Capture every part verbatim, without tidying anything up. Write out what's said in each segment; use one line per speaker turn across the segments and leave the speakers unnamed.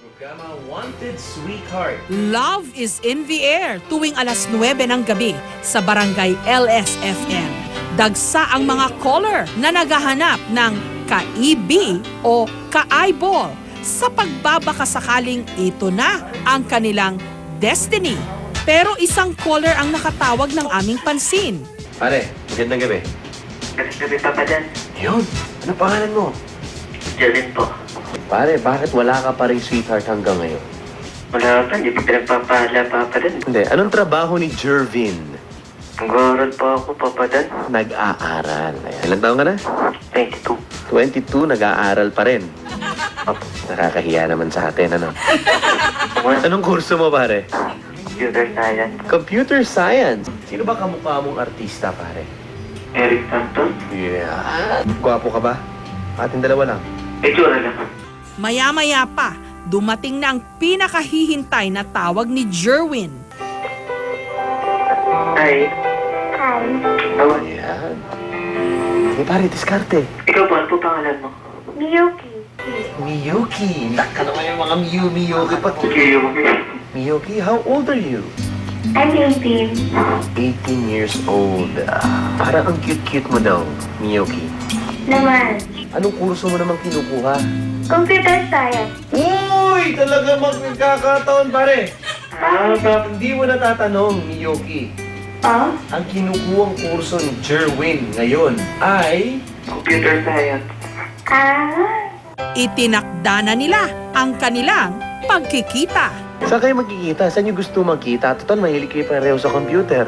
Programa Wanted Sweetheart.
Love is in the air tuwing alas nuwebe ng gabi sa Barangay L S F M. Dagsa ang mga caller na naghahanap ng ka-E B o ka-eyeball sa pagbabakasakaling ito na ang kanilang destiny. Pero isang caller ang nakatawag ng aming pansin.
Pare, magandang gabi.
Magandang gabi, Papa Dan.
Yun, ano pangalan mo?
Jervin po.
Pare, bakit wala ka pa rin sweetheart hanggang ngayon?
Wala pa, hindi ko pinagpapahala, Papa Dan.
Hindi, anong trabaho ni Jervin?
Nag-aaral pa ako, Papa Dan.
Nag-aaral. Ayan, ilang taon ka na?
twenty-two.
twenty-two, nag-aaral pa rin.
Opo.
Nakakahiya naman sa atin, ano? Anong kurso mo, pare?
Computer Science.
Computer Science. Sino ba kamukha mong artista, pare?
Eric Santos.
Yeah. Gwapo ka ba? Ating dalawa lang.
Itsura lang.
Maya-maya pa, dumating na ang pinakahihintay na tawag ni Jerwin.
Hi. Hi. Oh,
Ayan. Hey, pare, diskarte.
ikaw po, ano po pangalan mo?
Miyuki.
Miyuki. Naka naman yung mga Miyu, Miyuki pa.
Okay,
Miyuki, how old are you?
I'm eighteen.
eighteen years old. Ah, parang ang cute-cute mo daw, Miyuki.
Naman.
Anong kurso mo namang kinukuha?
Computer Science.
Uy! Talaga magkakataon, pare.
Ah, Papa.
Hindi mo natatanong, Miyuki.
Oh?
Ang kinukuhang kurso ni Jerwin ngayon ay...
Computer Science.
Ah.
Itinakda na nila ang kanilang pagkikita.
Saan kayo magkikita? Saan nyo gusto magkita? Total, mahilig kayo pareho sa computer.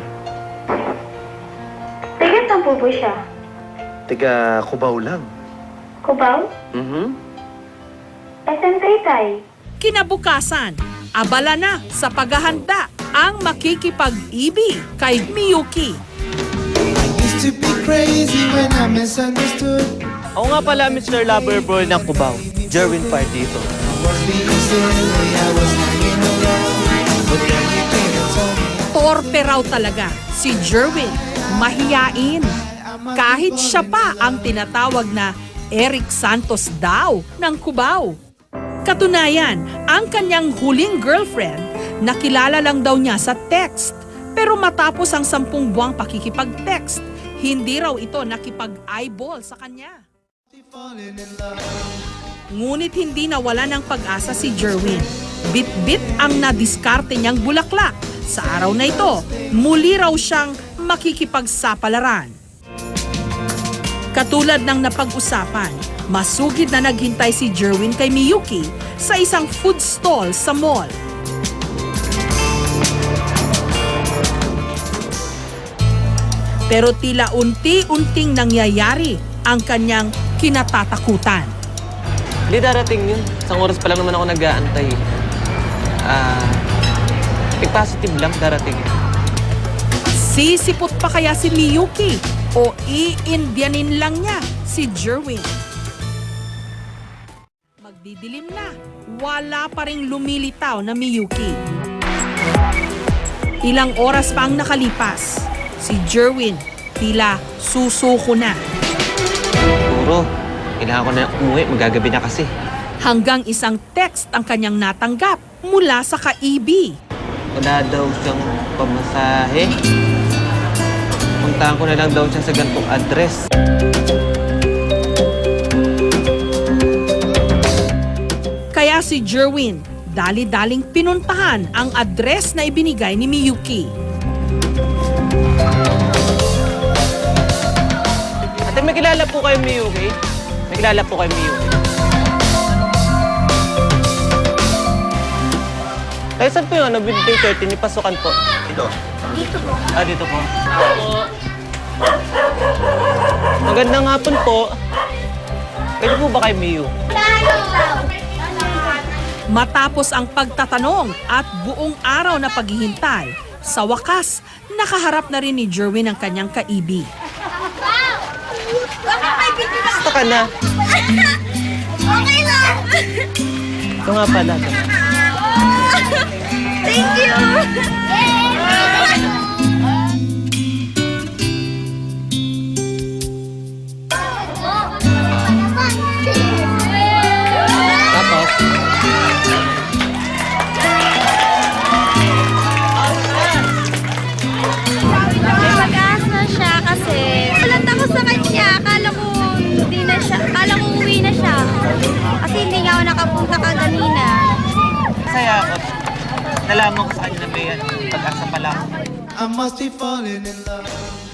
Taga saan po po siya?
Tiga, Cubao lang.
Cubao?
Mhm.
S M Taytay.
Kinabukasan, abala na sa paghahanda ang makikipag-ibig kay Miyuki.
Used to be crazy when I misunderstood.
Ako nga pala, Mister Loverboy ng Cubao. Jerwin Park dito.
Was being silly, I was hanging around. But then you came and told me
Torpe raw talaga si Jerwin, mahiyain. Kahit siya pa ang tinatawag na Eric Santos daw ng Cubao. Katunayan, ang kanyang huling girlfriend, nakilala lang daw niya sa text. Pero matapos ang sampung buwang pakikipag-text, hindi raw ito nakipag-eyeball sa kanya.
falling in love.
Ngunit hindi nawala ng pag-asa si Jerwin. Bit-bit ang nadiskarte niyang bulaklak. Sa araw na ito, muli raw siyang makikipagsapalaran. Katulad ng napag-usapan, masugid na naghintay si Jerwin kay Miyuki sa isang food stall sa mall. Pero tila unti-unting nangyayari ang kanyang kinatatakutan.
Hindi darating yun. Isang oras pa lang naman ako nag-aantay. Ah, uh, positive lang darating yun.
Sisipot pa kaya si Miyuki o i-Indianin lang niya si Jerwin? Magdidilim na, wala pa ring lumilitaw na Miyuki. Ilang oras pa ang nakalipas, si Jerwin tila susuko na.
Siguro, kailangan ko na umuwi. Magagabi na kasi.
Hanggang isang text ang kanyang natanggap mula sa ka-E B.
Wala daw siyang pamasahe. Puntahan ko na lang daw siya sa ganitong address.
Kaya si Jerwin, dali-daling pinuntahan ang address na ibinigay ni Miyuki.
Ate, may kilala po kayo Miyuki? May kilala po kayo Miyuki? Kaya saan po yung ano, building thirteen, ni pasukan po?
Ito.
Dito po.
Ah, dito po. Magandang hapon po. Pwede po ba kayo Miyu?
Matapos ang pagtatanong at buong araw na paghihintay, sa wakas, nakaharap na rin ni Jerwin ang kanyang ka-E B.
Gusto ka na?
Okay lang.
Ito nga pala.
Thank you.
Tapos,
Kasi hindi niya ako nakapunta kaganina.
Masaya ako. Nalaman ko sa kanya na may ano, pag-asa pala ako.
I must be falling in love.